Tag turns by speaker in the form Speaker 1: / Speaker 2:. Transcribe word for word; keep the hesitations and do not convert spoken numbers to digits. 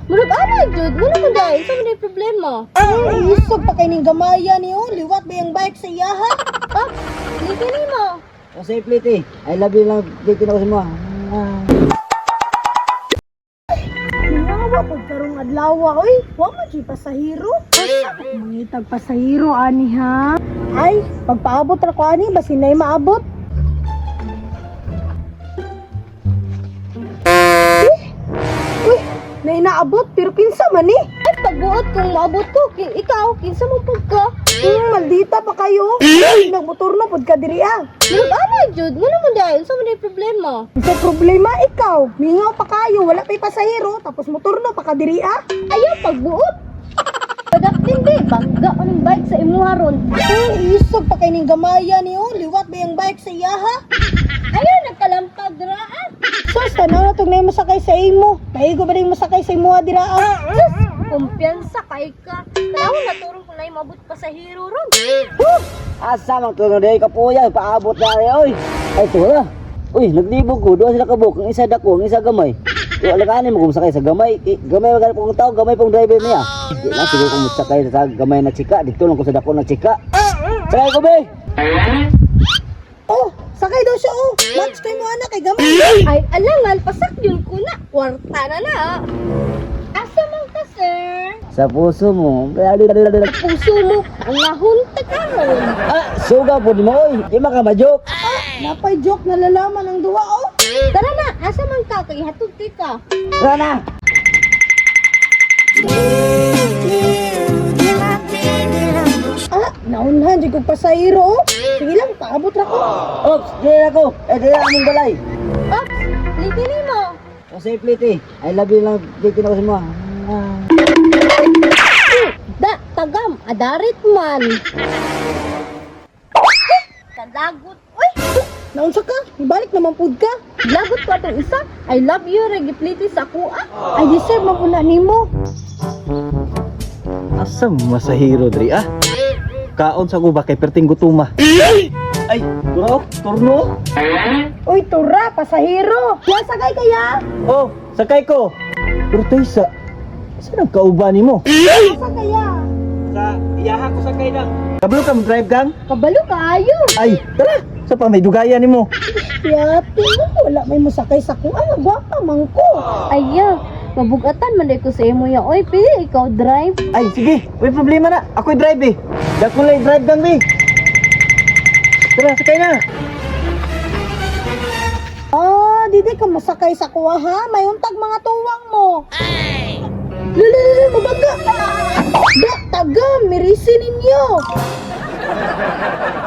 Speaker 1: Murag anay jud, wala man dai, sa man problema.
Speaker 2: Ay, isog pa kay ning gamaya niyo. Liwat ba yung bike sa iyaha?
Speaker 1: Ah, liki nimo.
Speaker 3: O say plate eh. I love you lang plate na ko sa mo. Ah.
Speaker 2: Nawa pag karong adlaw oy. Wa man jud pasahero. Mangitag pasahero ani ha. Ay, pagpaabot ra ko ani basin nay maabot. Uy, na inaabot pero kinsa man ni?
Speaker 1: Ay pagbuot kung maabot ko, kin ikaw kinsa mo pud ka?
Speaker 2: Hmm, maldita pa kayo. Nagmotor na pud ka diri ah.
Speaker 1: Murag anay jud, wala man dai, sa man problema.
Speaker 2: Sa problema ikaw, mingaw pa kayo, wala pa'y pasahero, tapos motor na pa ka diri ah.
Speaker 1: Ayaw pagbuot. Padaktin di, bangga ko ng bike sa imuha ron.
Speaker 2: Ay, isog pa kay ning gamaya niyo. Liwat ba yung bike sa iyaha?
Speaker 1: Ayaw nagkalampag diraan.
Speaker 2: Sus, tanaw na itong na masakay sa imo. Maigo ba rin masakay sa imo dira ah?
Speaker 1: Sus, kumpiyansa kay ka. Tanaw na turong kung naay mabut pa sa hero ron.
Speaker 3: Asa mang tulong day kapuya paabot na rin oy. Ay tula. Uy, naglibog ko, duha sila kabuk, ang isa dako, ang isa gamay. Yo alakanin mo kung sakay sa gamay. Eh, gamay magana pong tao, gamay pong driver niya. Di na siguro kung sakay sa gamay na chika, dito lang ko sa dako na chika. Sakay ko be.
Speaker 2: Oh, sakay daw siya oh. Lunch kay mo anak kay gamay.
Speaker 1: Ay, alangan, pasak yun ko na. Kwarta na na. Asa man ka, sir?
Speaker 3: Sa puso mo.
Speaker 1: Puso mo, ang nahunta ka ron.
Speaker 3: Ah, suga po di mo oy. Di makamajok.
Speaker 2: Napay joke na lalaman ang duwa oh.
Speaker 1: Tara na, asa man ka, kay hatod ka.
Speaker 3: Tara na.
Speaker 2: Ah, naunhan di ko pasahero oh. Sige lang, paabot ra ko.
Speaker 3: Ops, di ako. Eh, di na among balay.
Speaker 1: Ops, liki nimo.
Speaker 3: O say plate eh. I love you lang plate na ko sa mo. Ah.
Speaker 1: Da, tagam, adarit man. Kalagot, uy.
Speaker 2: Naunsa ka? Ibalik naman pud ka.
Speaker 1: Lagot ko atong isa. I love you, regipliti sa kuha.
Speaker 2: I deserve man una nimo.
Speaker 4: Asa masahiro diri ah? Kaon sa ko ba kay perting gutuma? Ay, bro, turno.
Speaker 2: Uy, tura, pasahero. Ya sakay kaya?
Speaker 4: Oh, sakay ko. Pero tayo sa saan ang kauban nimo?
Speaker 2: Asa kaya?
Speaker 4: Sa iyaha ko sakay na. Kabalo ka mag-drive gang?
Speaker 1: Kabalo kaayo.
Speaker 4: Ay, tara. Sa pa may dugayan nimo.
Speaker 2: Yati mo, wala may masakay sa kuha. Gwapa man ko.
Speaker 1: Aya, mabugatan man day ko sa imo ya. Oy, pili ikaw drive.
Speaker 4: Ay, sige. May problema na. Ako'y drive eh. Dako lay drive gang be. Tara, sakay na.
Speaker 2: Ah, didi ka masakay sa kuha ha. May untag mga tuwang mo. Ay! Lala, mabaga. Da, taga, mirisi ninyo.